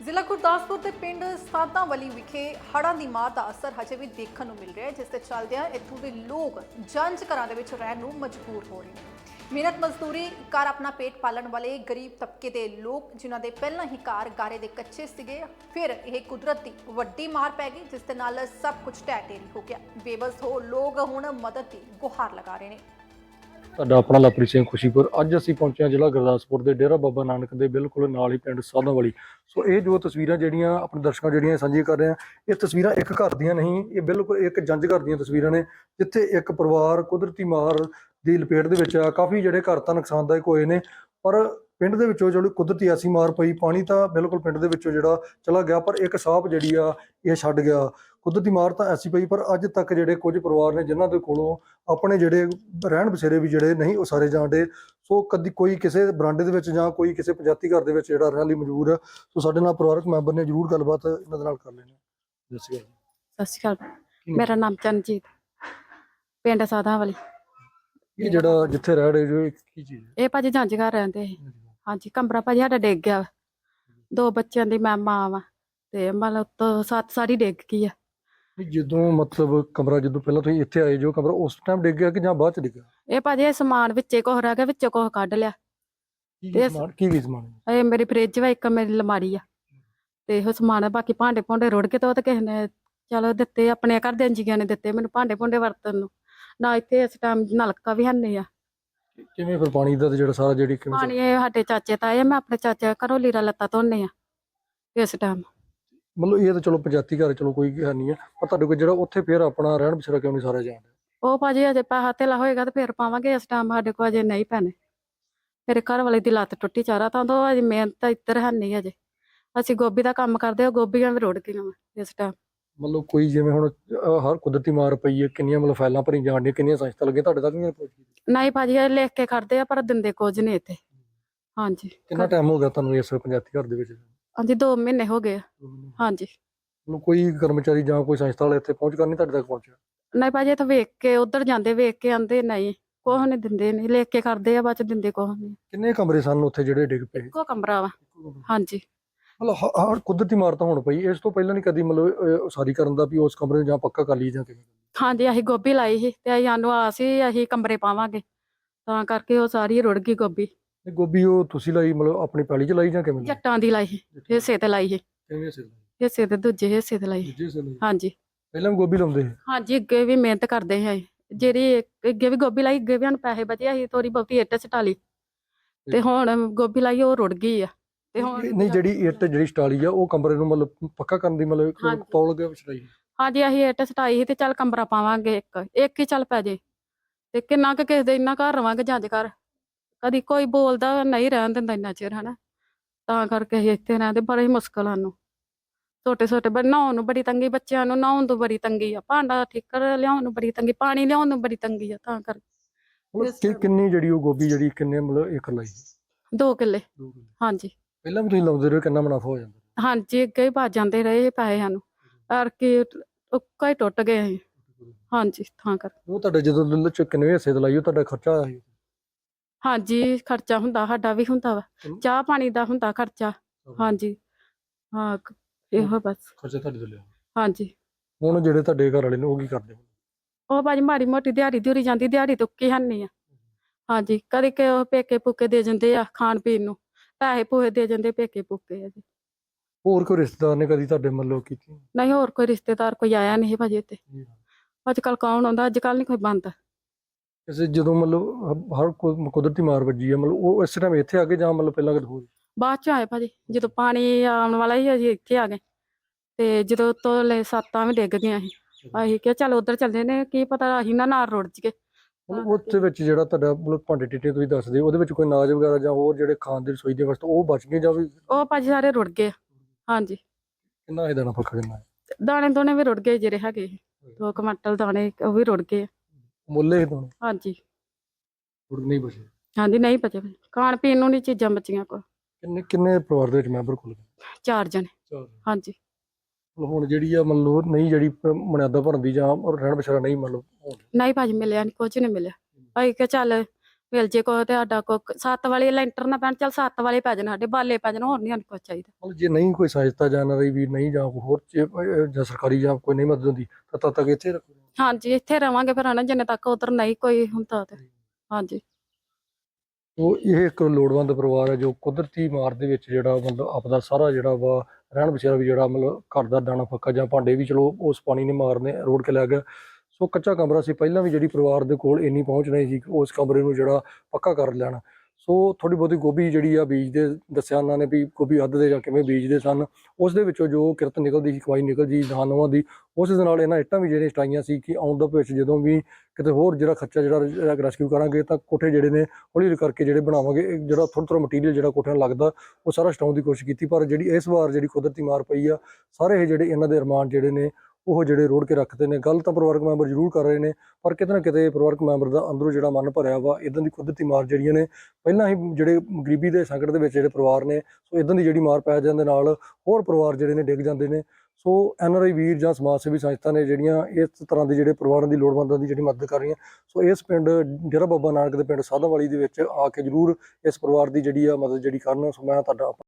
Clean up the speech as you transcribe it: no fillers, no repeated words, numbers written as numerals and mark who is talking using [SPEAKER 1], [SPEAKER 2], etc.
[SPEAKER 1] ਜ਼ਿਲ੍ਹਾ ਗੁਰਦਾਸਪੁਰ ਦੇ ਪਿੰਡ ਸਾਦਾਂਵਾਲੀ ਵਿਖੇ ਹੜ੍ਹਾਂ ਦੀ ਮਾਰ ਦਾ ਅਸਰ ਹਜੇ ਵੀ ਦੇਖਣ ਨੂੰ ਮਿਲ ਰਿਹਾ ਹੈ, ਜਿਸ ਦੇ ਚੱਲਦਿਆਂ ਇੱਥੋਂ ਦੇ ਲੋਕ ਜੰਝ ਘਰਾਂ ਦੇ ਵਿੱਚ ਰਹਿਣ ਨੂੰ ਮਜਬੂਰ ਹੋ ਰਹੇ ਨੇ। ਮਿਹਨਤ ਮਜ਼ਦੂਰੀ ਕਰ ਆਪਣਾ ਪੇਟ ਪਾਲਣ ਵਾਲੇ ਗਰੀਬ ਤਬਕੇ ਦੇ ਲੋਕ, ਜਿਨ੍ਹਾਂ ਦੇ ਪਹਿਲਾਂ ਹੀ ਘਰ ਗਾਰੇ ਦੇ ਕੱਚੇ ਸੀਗੇ, ਫਿਰ ਇਹ ਕੁਦਰਤ ਦੀ ਵੱਡੀ ਮਾਰ ਪੈ ਗਈ, ਜਿਸ ਦੇ ਨਾਲ ਸਭ ਕੁਝ ਢਹਿ ਢੇਰੀ ਹੋ ਗਿਆ। ਬੇਬਸ ਹੋ ਲੋਕ ਹੁਣ ਮਦਦ ਦੀ ਗੁਹਾਰ ਲਗਾ ਰਹੇ ਨੇ।
[SPEAKER 2] ਸਾਡਾ ਆਪਣਾ ਲਵਪ੍ਰੀਤ ਸਿੰਘ ਖੁਸ਼ੀਪੁਰ। ਅੱਜ ਅਸੀਂ ਪਹੁੰਚੇ ਹਾਂ ਜ਼ਿਲ੍ਹਾ ਗੁਰਦਾਸਪੁਰ ਦੇ ਡੇਰਾ ਬਾਬਾ ਨਾਨਕ ਦੇ ਬਿਲਕੁਲ ਨਾਲ ਹੀ ਪਿੰਡ ਸਾਧਾਂਵਾਲੀ। ਸੋ ਇਹ ਜੋ ਤਸਵੀਰਾਂ ਜਿਹੜੀਆਂ ਆਪਣੇ ਦਰਸ਼ਕਾਂ ਜਿਹੜੀਆਂ ਸਾਂਝੀਆਂ ਕਰ ਰਹੇ ਆ, ਇਹ ਤਸਵੀਰਾਂ ਇੱਕ ਘਰ ਦੀਆਂ ਨਹੀਂ, ਇਹ ਬਿਲਕੁਲ ਇੱਕ ਜੰਝ ਘਰ ਦੀਆਂ ਤਸਵੀਰਾਂ ਨੇ, ਜਿੱਥੇ ਇੱਕ ਪਰਿਵਾਰ ਕੁਦਰਤੀ ਮਾਰ ਦੀ ਲਪੇਟ ਦੇ ਵਿੱਚ ਆ। ਕਾਫੀ ਜਿਹੜੇ ਘਰ ਤਾਂ ਨੁਕਸਾਨਦਾਇਕ ਹੋਏ ਨੇ, ਪਰ ਪਿੰਡ ਦੇ ਵਿੱਚੋਂ ਜਿਹੜੀ ਕੁਦਰਤੀ ਐਸੀ ਮਾਰ ਪਈ, ਪਾਣੀ ਤਾਂ ਬਿਲਕੁਲ ਪਿੰਡ ਦੇ ਵਿੱਚੋਂ ਜਿਹੜਾ ਚਲਾ ਗਿਆ, ਪਰ ਇੱਕ ਸਾਹਬ ਜਿਹੜੀ ਆ ਇਹ ਛੱਡ ਗਿਆ। ਕੁਦਰਤੀ ਮਾਰ ਤਾਂ ਐਸੀ ਪਈ, ਪਰ ਅੱਜ ਤੱਕ ਜਿਹੜੇ ਕੁਝ ਪਰਿਵਾਰ ਨੇ ਜਿਨ੍ਹਾਂ ਦੇ ਕੋਲੋਂ ਆਪਣੇ ਜਿਹੜੇ ਰਹਿਣ ਬਸੇਰੇ ਵੀ ਜਿਹੜੇ ਨਹੀਂ ਉਸਾਰੇ ਜਾਂਦੇ, ਸੋ ਕਦੀ ਕੋਈ ਕਿਸੇ ਬਰਾਂਡੇ ਦੇ ਵਿੱਚ ਜਾਂ ਕੋਈ ਕਿਸੇ ਪੰਚਾਇਤੀ ਘਰ ਦੇ ਵਿੱਚ ਜਿਹੜਾ ਰਹਿਣ ਲਈ ਮਜਬੂਰ ਹੈ। ਸੋ ਸਾਡੇ ਨਾਲ ਪਰਿਵਾਰਕ ਮੈਂਬਰ ਨੇ ਜ਼ਰੂਰ ਗੱਲਬਾਤ ਇਹਨਾਂ ਦੇ ਨਾਲ ਕਰ ਲੈਣੀ।
[SPEAKER 3] ਸਤਿ ਸ਼੍ਰੀ ਅਕਾਲ। ਮੇਰਾ ਨਾਮ ਚਰਨਜੀਤ, ਪਿੰਡ ਸਾਧਾਂਵਾਲੀ।
[SPEAKER 2] ਇਹ ਜਿਹੜਾ ਜਿੱਥੇ ਰਹਿ ਰਹੇ ਜੋ, ਇਹ ਕੀ ਚੀਜ਼ ਹੈ?
[SPEAKER 3] ਇਹ ਭਾਜੀ ਜੰਝ ਘਰ ਰਹਿੰਦੇ ਸੀ। ਹਾਂਜੀ, ਕਮਰਾ ਭਾਜੀ ਸਾਡਾ ਡਿੱਗ ਗਿਆ। 2 ਬੱਚਿਆਂ ਦੀ ਮੈਂ ਮਾਂ ਵਾ, ਤੇ ਮਤਲਬ ਤੋਂ 7 ਸਾਰੀ ਡਿੱਗ ਗਈ ਆ।
[SPEAKER 2] ਜਦੋਂ ਮਤਲਬ ਕਮਰਾ ਜਦੋਂ ਪਹਿਲਾਂ ਤੁਸੀਂ ਇੱਥੇ ਆਏ ਜੋ ਕਮਰਾ ਉਸ ਟਾਈਮ ਡਿੱਗ ਗਿਆ ਕਿ ਜਾਂ ਬਾਅਦ ਚ ਡਿੱਗਾ?
[SPEAKER 3] ਇਹ ਭਾਜੀ ਇਹ ਸਮਾਨ ਵਿੱਚੇ ਕੁਛ ਰਹਿ ਗਿਆ, ਵਿੱਚੋਂ ਕੁਛ ਕੱਢ ਲਿਆ।
[SPEAKER 2] ਕੀ ਸਮਾਨ?
[SPEAKER 3] ਇਹ ਮੇਰੀ ਫ੍ਰਿਜ ਵਾ, ਇੱਕ ਮੇਰੀ ਅਲਮਾਰੀ ਆ, ਤੇ ਇਹੋ ਸਮਾਨ। ਬਾਕੀ ਭਾਂਡੇ ਭੁੰਡੇ ਰੁੜ ਕੇ ਤੇ ਉਹ ਤਾਂ ਕਿਸੇ ਨੇ ਚਲੋ ਦਿੱਤੇ, ਆਪਣੇ ਘਰ ਦੇ ਜੀਆਂ ਨੇ ਦਿੱਤੇ ਮੈਨੂੰ ਭਾਂਡੇ ਭੁੰਡੇ ਵਰਤਣ ਨੂੰ। ਨਾ ਇੱਥੇ ਇਸ ਟਾਈਮ ਨਲਕਾ ਵੀ ਹੈਨੀ ਆ।
[SPEAKER 2] ਕਿਵੇਂ ਫਿਰ ਪਾਣੀ ਦਾ ਜਿਹੜਾ ਸਾਰਾ ਜਿਹੜੀ ਕਿਵੇਂ
[SPEAKER 3] ਪਾਣੀ ਇਹ ਸਾਡੇ ਚਾਚੇ ਤਾਏ, ਮੈਂ ਆਪਣੇ ਚਾਚੇ ਘਰੋਂ ਲੀਰਾ ਲੱਤਾ ਧੋਨੇ ਆ ਇਸ ਟਾਈਮ।
[SPEAKER 2] ਮਤਲਬ ਇਹ ਤਾਂ ਚਲੋ ਪੰਚਾਇਤੀ ਘਰ ਚਲੋ ਕੋਈ ਹੈ ਨਹੀਂ ਹੈ, ਪਰ ਤੁਹਾਡੇ ਕੋਲ ਜਿਹੜਾ ਉੱਥੇ ਫਿਰ ਆਪਣਾ ਰਹਿਣ ਬਸੇਰਾ ਕਿਉਂ ਨਹੀਂ ਸਾਰਾ ਜਾਂਦਾ?
[SPEAKER 3] ਉਹ ਭਾਜੀ ਅਜੇ ਪੈਸਾ ਧੇਲਾ ਹੋਏਗਾ ਤੇ ਫਿਰ ਪਾਵਾਂਗੇ, ਇਸ ਟਾਈਮ ਸਾਡੇ ਕੋਲ ਅਜੇ ਨਹੀਂ ਪੈਣੇ। ਮੇਰੇ ਘਰ ਵਾਲੇ ਦੀ ਲੱਤ ਟੁੱਟੀ ਚਾਰਾ ਤਾਂ ਉਹ ਅਜੇ ਮਿਹਨਤ ਇੱਧਰ ਹੈ ਨਹੀਂ ਅਜੇ। ਅਸੀਂ ਗੋਭੀ ਦਾ ਕੰਮ ਕਰਦੇ ਹਾਂ, ਗੋਭੀਆਂ ਵੀ ਰੁੜ ਗਈਆਂ ਵਾ ਇਸ ਟਾਈਮ।
[SPEAKER 2] ਮਤਲਬ ਕੋਈ ਜਿਵੇਂ ਹੁਣ ਹਰ ਕੁਦਰਤੀ ਮਾਰ ਪਈ ਹੈ, ਕਿੰਨੀਆਂ ਮਤਲਬ ਫਾਈਲਾਂ ਭਰੀ ਜਾਣ ਦੀਆਂ, ਕਿੰਨੀਆਂ ਸੰਸਥਾ ਲੱਗੀਆਂ, ਤੁਹਾਡੇ ਤੱਕ ਨਹੀਂ ਪਹੁੰਚੀ?
[SPEAKER 3] ਨਹੀਂ ਭਾਜੀ, ਇਹ ਲਿਖ ਕੇ ਕਰਦੇ ਆ ਪਰ ਦਿੰਦੇ ਕੁਝ ਨਹੀਂ ਇੱਥੇ। ਹਾਂਜੀ।
[SPEAKER 2] ਕਿੰਨਾ ਟਾਈਮ ਹੋ ਗਿਆ ਤੁਹਾਨੂੰ ਇਸ ਪੰਚਾਇਤੀ ਘਰ ਦੇ ਵਿੱਚ?
[SPEAKER 3] ਹਾਂਜੀ, 2 ਮਹੀਨੇ ਹੋ ਗਏ ਆ। ਹਾਂਜੀ।
[SPEAKER 2] ਮਤਲਬ ਕੋਈ ਕਰਮਚਾਰੀ ਜਾਂ ਕੋਈ ਸੰਸਥਾ ਵਾਲੇ ਇੱਥੇ ਪਹੁੰਚ ਕਰਨੀ ਤੁਹਾਡੇ ਤੱਕ ਪਹੁੰਚਿਆ?
[SPEAKER 3] ਨਹੀਂ ਭਾਜੀ, ਇੱਥੇ ਵੇਖ ਕੇ ਉਧਰ ਜਾਂਦੇ, ਵੇਖ ਕੇ ਆਂਦੇ ਨਹੀਂ ਕੁਛ ਨਹੀਂ ਦਿੰਦੇ, ਨਹੀਂ ਲਿਖ ਕੇ ਕਰਦੇ ਆ, ਬਾਅਦ ਚ ਦਿੰਦੇ ਕੁਛ ਨਹੀਂ।
[SPEAKER 2] ਕਿੰਨੇ ਕਮਰੇ ਸਨ ਉੱਥੇ ਜਿਹੜੇ ਡਿੱਗ ਪਏ?
[SPEAKER 3] ਇੱਕੋ ਕਮਰਾ ਵਾ। ਹਾਂਜੀ।
[SPEAKER 2] ਮਤਲਬ ਹਰ ਕੁਦਰਤੀ ਮਾਰ ਤਾਂ ਹੁਣ ਪਈ, ਇਸ ਤੋਂ ਪਹਿਲਾਂ ਨਹੀਂ ਕਦੀ ਮਤਲਬ ਉਸਾਰੀ ਕਰਨ ਦਾ ਵੀ ਉਸ ਕਮਰੇ ਨੂੰ ਜਾਂ ਪੱਕਾ ਕਰ ਲਈ ਜਾਂ ਕਿਵੇਂ?
[SPEAKER 3] ਹਾਂਜੀ, ਅਸੀਂ ਗੋਭੀ ਲਾਈ ਸੀ ਤੇ ਸਾਨੂੰ ਆਸ ਸੀ ਅਸੀਂ ਕਮਰੇ ਪਾਵਾਂਗੇ, ਤਾਂ ਕਰਕੇ ਉਹ ਸਾਰੀ ਰੁੜ ਗਈ ਗੋਭੀ।
[SPEAKER 2] ਗੋਭੀ ਉਹ ਤੁਸੀਂ ਲਾਈ ਮਤਲਬ ਆਪਣੀ ਪੈਲੀ 'ਚ ਲਾਈ ਜਾਂ ਕਿਵੇਂ?
[SPEAKER 3] ਜੱਟਾਂ ਦੀ ਲਾਈ ਸੀ, ਹਿੱਸੇ ਤੇ ਲਾਈ ਸੀ।
[SPEAKER 2] ਕਿਵੇਂ ਹਿੱਸੇ ਲਾਈ?
[SPEAKER 3] ਹਿੱਸੇ ਤੇ ਦੂਜੇ ਹਿੱਸੇ ਤੇ ਲਾਈ।
[SPEAKER 2] ਦੂਜੇ ਹਿੱਸੇ ਲਾਈ?
[SPEAKER 3] ਹਾਂਜੀ।
[SPEAKER 2] ਪਹਿਲਾਂ ਵੀ ਗੋਭੀ ਲਾਉਂਦੇ ਸੀ?
[SPEAKER 3] ਹਾਂਜੀ, ਅੱਗੇ ਵੀ ਮਿਹਨਤ ਕਰਦੇ ਸੀ। ਜਿਹੜੀ ਅੱਗੇ ਵੀ ਗੋਭੀ ਲਾਈ, ਅੱਗੇ ਵੀ ਸਾਨੂੰ ਪੈਸੇ ਬਚੇ, ਅਸੀਂ ਥੋੜੀ ਬਹੁਤੀ ਇੱਟ ਸਟਾ ਲਈ, ਤੇ ਹੁਣ ਗੋਭੀ ਲਾਈ ਉਹ ਰੁੜ ਗਈ ਆ। ਤੇ ਹੁਣ
[SPEAKER 2] ਨਹੀਂ, ਜਿਹੜੀ ਇੱਟ ਜਿਹੜੀ ਸਟਾਲੀ ਆ ਉਹ ਕਮਰੇ ਨੂੰ ਮਤਲਬ ਪੱਕਾ ਕਰਨ ਦੀ ਮਤਲਬ ਪੌਲ ਗਿਆ ਵਿਛਾਈ?
[SPEAKER 3] ਹਾਂਜੀ, ਅਸੀਂ ਇੱਟ ਸਟਾਈ ਸੀ ਤੇ ਚੱਲ ਕਮਰਾ ਪਾਵਾਂਗੇ, ਇੱਕ ਹੀ ਚੱਲ ਪੈ ਜੇ, ਤੇ ਕਿੰਨਾ ਕੁ ਕਿਸੇ ਦੇ ਇੰਨਾ ਘਰ ਰਵਾਂਗੇ ਜੰਝ ਘਰ। ਕਦੀ ਕੋਈ ਬੋਲਦਾ ਨਹੀਂ ਰਹਿਣ ਦਿੰਦਾ ਇੰਨਾ ਚਿਰ, ਹਨਾ, ਤਾਂ ਕਰਕੇ ਅਸੀਂ ਇੱਥੇ ਰਹਿੰਦੇ। ਬੜੀ ਮੁਸ਼ਕਲ ਸਾਨੂੰ, ਛੋਟੇ ਨਹਾਉਣ ਨੂੰ ਬੜੀ ਤੰਗੀ, ਬੱਚਿਆਂ ਨੂੰ ਨਹਾਉਣ ਤੋਂ ਬੜੀ ਤੰਗੀ ਆ, ਭਾਂਡਾ ਠੀਕਰ ਲਿਆਉਣ ਨੂੰ ਬੜੀ ਤੰਗੀ, ਪਾਣੀ ਲਿਆਉਣ ਨੂੰ ਬੜੀ ਤੰਗੀ ਆ, ਤਾਂ ਕਰਕੇ।
[SPEAKER 2] ਕਿੰਨੀ ਜਿਹੜੀ ਉਹ ਗੋਭੀ ਜਿਹੜੀ ਕਿੰਨੇ ਮਤਲਬ ਏਕੜ ਲਾਈ?
[SPEAKER 3] 2 ਕਿੱਲੇ। ਹਾਂਜੀ।
[SPEAKER 2] ਪਹਿਲਾਂ ਵੀ ਤੁਸੀਂ ਲਾਉਂਦੇ ਰਹੇ, ਕਿੰਨਾ ਮੁਨਾਫਾ ਹੋ ਜਾਂਦਾ?
[SPEAKER 3] ਹਾਂਜੀ, ਅੱਗੇ ਹੀ ਭੱਜ ਜਾਂਦੇ ਰਹੇ ਪੈਸੇ ਸਾਨੂੰ, ਪਰ ਕੀ ਉੱਕਾ ਹੀ ਟੁੱਟ ਗਏ ਅਸੀਂ। ਹਾਂਜੀ, ਤਾਂ ਕਰਕੇ।
[SPEAKER 2] ਉਹ ਤੁਹਾਡੇ ਜਦੋਂ ਕਿੰਨੇ ਹਿੱਸੇ ਤੇ ਲਾਈ ਉਹ ਤੁਹਾਡਾ ਖਰਚਾ ਆਇਆ ਸੀ?
[SPEAKER 3] ਹਾਂਜੀ, ਖਰਚਾ ਹੁੰਦਾ, ਸਾਡਾ ਵੀ ਹੁੰਦਾ ਵਾ, ਚਾਹ ਪਾਣੀ ਦਾ ਹੁੰਦਾ ਖਰਚਾ। ਹਾਂਜੀ। ਹਾਂ, ਇਹੋ ਬਸ
[SPEAKER 2] ਖਰਚਾ ਤੁਹਾਡੇ ਤੋਂ ਲਿਆ?
[SPEAKER 3] ਹਾਂਜੀ।
[SPEAKER 2] ਹੁਣ ਜਿਹੜੇ ਤੁਹਾਡੇ ਘਰ ਵਾਲੇ ਨੇ ਉਹ ਕੀ ਕਰਦੇ?
[SPEAKER 3] ਉਹ ਭਾਜੀ ਮਾੜੀ ਮੋਟੀ ਦਿਹਾੜੀ ਦਿਹੜੀ ਜਾਂਦੀ, ਦਿਹਾੜੀ ਤੁੱਕੀ ਹੈਨੀ ਆ। ਹਾਂਜੀ, ਕਦੇ ਕਿ ਉਹ ਪੇਕੇ ਪੂਕੇ ਦੇ ਜਾਂਦੇ ਆ ਖਾਣ ਪੀਣ ਨੂੰ, ਪੈਸੇ ਪੂਸੇ ਦੇ ਜਾਂਦੇ ਪੇਕੇ ਪੂਕੇ ਆ ਜੀ।
[SPEAKER 2] ਹੋਰ ਕੋਈ ਰਿਸ਼ਤੇਦਾਰ ਨੇ ਕਦੀ ਤੁਹਾਡੇ ਮਤਲਬ ਕੀਤੀ?
[SPEAKER 3] ਨਹੀਂ, ਹੋਰ ਕੋਈ ਰਿਸ਼ਤੇਦਾਰ ਕੋਈ ਆਇਆ ਨਹੀਂ ਭਾਜੀ ਇੱਥੇ। ਅੱਜ ਕੱਲ ਕੌਣ ਆਉਂਦਾ, ਅੱਜ ਕੱਲ ਨਹੀਂ ਕੋਈ ਬੰਦ।
[SPEAKER 2] ਕਿਸੇ ਜਦੋਂ ਮਤਲਬ ਹਰ ਕੁਦਰਤੀ ਮਾਰ ਵੱਜੀ ਹੈ, ਮਤਲਬ ਉਹ ਇਸ ਟਾਈਮ ਇੱਥੇ ਆ ਗਏ ਜਾਂ ਮਤਲਬ ਪਹਿਲਾਂ ਕਦੇ ਹੋਰ?
[SPEAKER 3] ਬਾਅਦ ਚ ਆਏ ਭਾਜੀ, ਜਦੋਂ ਪਾਣੀ ਆਉਣ ਵਾਲਾ ਹੀ ਅਸੀਂ ਇੱਥੇ ਆ ਗਏ, ਤੇ ਜਦੋਂ ਤੋਲੇ ਸੱਤਾਂ ਵੀ ਡਿੱਗ ਗਈਆਂ ਸੀ, ਅਸੀਂ ਕਿਹਾ ਚੱਲ ਉੱਧਰ ਚੱਲਦੇ ਨੇ, ਕੀ ਪਤਾ ਅਸੀਂ ਨਾ ਨਾਲ ਰੁੜ ਜੀਏ।
[SPEAKER 2] ਉਹਦੇ ਵਿੱਚ ਜਿਹੜਾ ਤੁਹਾਡਾ ਮਤਲਬ ਭਾਂਡੇ ਟਿੱਟੇ ਤੁਸੀਂ ਦੱਸਦੇ, ਉਹਦੇ ਵਿੱਚ ਕੋਈ ਅਨਾਜ ਵਗੈਰਾ ਜਾਂ ਹੋਰ ਜਿਹੜੇ ਖਾਣ ਦੀ ਰਸੋਈ ਦੇ ਵਸਤੂ ਉਹ ਬਚ ਗਏ ਜਾਂ ਵੀ?
[SPEAKER 3] ਉਹ ਭਾਜੀ ਸਾਰੇ ਰੁੜ ਗਏ। ਹਾਂਜੀ।
[SPEAKER 2] ਕਿੰਨਾ ਇਹਦਾ ਨਫਾ ਕਿੰਨਾ?
[SPEAKER 3] ਦਾਣੇ ਦੋਣੇ ਵੀ ਰੁੜ ਗਏ ਜਿਹੜੇ ਹੈਗੇ 2 ਕੁਆਂਟਲ ਦਾਣੇ, ਉਹ ਵੀ ਰੁੜ ਗਏ।
[SPEAKER 2] ਮੁੱਲੇ ਹੀ ਦਾਣੇ?
[SPEAKER 3] ਹਾਂਜੀ।
[SPEAKER 2] ਨਹੀਂ ਬਚੇ?
[SPEAKER 3] ਹਾਂਜੀ, ਨਹੀਂ ਬਚੇ, ਖਾਣ ਪੀਣ ਨੂੰ ਨਹੀਂ ਚੀਜ਼ਾਂ ਬਚੀਆਂ ਕੋ।
[SPEAKER 2] ਕਿੰਨੇ ਪਰਿਵਾਰ ਦੇ ਵਿੱਚ ਮੈਂਬਰ ਕੋਲ?
[SPEAKER 3] 4 ਜਣੇ। ਹਾਂਜੀ।
[SPEAKER 2] ਹੁਣ ਜਿਹੜੀ ਆ ਮਤਲਬ ਨਹੀਂ ਜਿਹੜੀ ਮਨਿਆਦਾ ਭਰਨ ਦੀ ਜਾਂ ਰਹਿਣ ਬਸੇਰਾ ਨਹੀਂ ਮਤਲਬ
[SPEAKER 3] ਨਹੀਂ ਭਾਜੀ, ਮਿਲਿਆ ਨਹੀਂ, ਕੁਝ ਨਹੀਂ ਮਿਲਿਆ। ਅਸੀਂ ਕਿਹਾ ਚੱਲ ਮਿਲ ਜੇ ਕੋ ਤੇ ਸਾਡਾ ਕੋ 7 ਵਾਲੇ ਲੈਂਟਰ ਨਾ ਪੈਣ, ਚੱਲ 7 ਵਾਲੇ ਪੈ ਜਾਣ, ਸਾਡੇ ਬਾਲੇ ਪੈ ਜਾਣ, ਹੋਰ ਨਹੀਂ ਸਾਨੂੰ ਕੁਛ ਚਾਹੀਦਾ।
[SPEAKER 2] ਮਤਲਬ ਜੇ ਨਹੀਂ ਕੋਈ ਸਹਾਇਤਾ ਜਾਂ ਇਹਨਾਂ ਦੀ ਵੀ ਨਹੀਂ ਜਾਂ ਕੋਈ ਹੋਰ ਜਾਂ ਸਰਕਾਰੀ ਜਾਂ ਕੋਈ ਨਹੀਂ ਮਦਦ ਹੁੰਦੀ ਤਾਂ ਤਦ ਤੱਕ ਇੱਥੇ ਰੱਖੋ।
[SPEAKER 3] ਹਾਂਜੀ ਇੱਥੇ ਰਵਾਂਗੇ ਫਿਰ ਹਨਾ, ਜਿੰਨੇ ਤੱਕ ਉਧਰ ਨਹੀਂ ਕੋਈ ਹੁੰਦਾ ਤੇ। ਹਾਂਜੀ
[SPEAKER 2] ਉਹ ਇਹ ਇੱਕ ਲੋੜਵੰਦ ਪਰਿਵਾਰ ਹੈ ਜੋ ਕੁਦਰਤੀ ਮਾਰ ਦੇ ਵਿੱਚ ਜਿਹੜਾ ਮਤਲਬ ਆਪਦਾ ਸਾਰਾ ਜਿਹੜਾ ਵਾ ਰਹਿਣ ਬਸੇਰਾ ਵੀ ਜਿਹੜਾ ਮਤਲਬ ਘਰ ਦਾ ਦਾਣਾ ਫੱਕਾ ਜਾਂ ਭਾਂਡੇ ਵੀ ਚਲੋ ਉਸ ਪਾਣੀ ਨੇ ਮਾਰਨੇ ਰੋੜ ਕੇ ਲੈ ਗਿਆ। ਸੋ ਕੱਚਾ ਕਮਰਾ ਸੀ, ਪਹਿਲਾਂ ਵੀ ਜਿਹੜੀ ਪਰਿਵਾਰ ਦੇ ਕੋਲ ਇੰਨੀ ਪਹੁੰਚ ਨਹੀਂ ਸੀ ਉਸ ਕਮਰੇ ਨੂੰ ਜਿਹੜਾ ਪੱਕਾ ਕਰ ਲੈਣਾ। ਸੋ ਥੋੜੀ ਬਹੁਤੀ ਗੋਭੀ ਜਿਹੜੀ ਆ ਬੀਜਦੇ ਦੱਸਿਆ ਉਹਨਾਂ ਨੇ ਵੀ ਗੋਭੀ ਅੱਧ ਦੇ ਜਾਂ ਕਿਵੇਂ ਬੀਜਦੇ ਸਨ, ਉਸ ਦੇ ਵਿੱਚੋਂ ਜੋ ਕਿਰਤ ਨਿਕਲਦੀ ਸੀ, ਕਮਾਈ ਨਿਕਲਦੀ ਸੀ ਦਾਨਵਾਂ ਦੀ, ਉਸ ਦੇ ਨਾਲ ਇਹਨਾਂ ਇੱਟਾਂ ਵੀ ਜਿਹੜੀਆਂ ਸਟਾਈਆਂ ਸੀ ਕਿ ਆਉਣ ਦਾ ਭਵਿੱਖ ਜਦੋਂ ਵੀ ਕਿਤੇ ਹੋਰ ਜਿਹੜਾ ਖਰਚਾ ਜਿਹੜਾ ਰੈਸਕਿਊ ਕਰਾਂਗੇ ਤਾਂ ਕੋਠੇ ਜਿਹੜੇ ਨੇ ਹੌਲੀ ਹੌਲੀ ਕਰਕੇ ਜਿਹੜੇ ਬਣਾਵਾਂਗੇ, ਜਿਹੜਾ ਥੋੜ੍ਹਾ ਥੋੜ੍ਹਾ ਮਟੀਰੀਅਲ ਜਿਹੜਾ ਕੋਠਿਆਂ ਨੂੰ ਲੱਗਦਾ ਉਹ ਸਾਰਾ ਸਟਾਉਣ ਦੀ ਕੋਸ਼ਿਸ਼ ਕੀਤੀ। ਪਰ ਜਿਹੜੀ ਇਸ ਵਾਰ ਜਿਹੜੀ ਕੁਦਰਤੀ ਮਾਰ ਪਈ ਆ, ਸਾਰੇ ਇਹ ਜਿਹੜੇ ਇਹਨਾਂ ਦੇ ਅਰਮਾਨ ਜਿਹੜੇ ਨੇ ਉਹ ਜਿਹੜੇ ਰੋੜ ਕੇ ਰੱਖਦੇ ਨੇ। ਗੱਲ ਤਾਂ ਪਰਿਵਾਰਕ ਮੈਂਬਰ ਜ਼ਰੂਰ ਕਰ ਰਹੇ ਨੇ, ਪਰ ਕਿਤੇ ਨਾ ਕਿਤੇ ਪਰਿਵਾਰਕ ਮੈਂਬਰ ਦਾ ਅੰਦਰੋਂ ਜਿਹੜਾ ਮਨ ਭਰਿਆ ਵਾ ਇੱਦਾਂ ਦੀ ਕੁਦਰਤੀ ਮਾਰ ਜਿਹੜੀਆਂ ਨੇ, ਪਹਿਲਾਂ ਹੀ ਜਿਹੜੇ ਗਰੀਬੀ ਦੇ ਸੰਕਟ ਦੇ ਵਿੱਚ ਜਿਹੜੇ ਪਰਿਵਾਰ ਨੇ, ਸੋ ਇੱਦਾਂ ਦੀ ਜਿਹੜੀ ਮਾਰ ਪੈ ਜਾਣ ਦੇ ਨਾਲ ਹੋਰ ਪਰਿਵਾਰ ਜਿਹੜੇ ਨੇ ਡਿੱਗ ਜਾਂਦੇ ਨੇ। ਸੋ NRI ਵੀਰ ਜਾਂ ਸਮਾਜ ਸੇਵੀ ਸੰਸਥਾ ਨੇ ਜਿਹੜੀਆਂ ਇਸ ਤਰ੍ਹਾਂ ਦੇ ਜਿਹੜੇ ਪਰਿਵਾਰਾਂ ਦੀ ਲੋੜਵੰਦਾਂ ਦੀ ਜਿਹੜੀ ਮਦਦ ਕਰ ਰਹੀਆਂ। ਸੋ ਇਸ ਪਿੰਡ ਡੇਰਾ ਬਾਬਾ ਨਾਨਕ ਦੇ ਪਿੰਡ ਸਾਧਾਂਵਾਲੀ ਦੇ ਵਿੱਚ ਆ ਕੇ ਜ਼ਰੂਰ ਇਸ ਪਰਿਵਾਰ ਦੀ ਜਿਹੜੀ ਆ ਮਦਦ ਜਿਹੜੀ ਕਰਨ। ਸੋ ਮੈਂ ਤੁਹਾਡਾ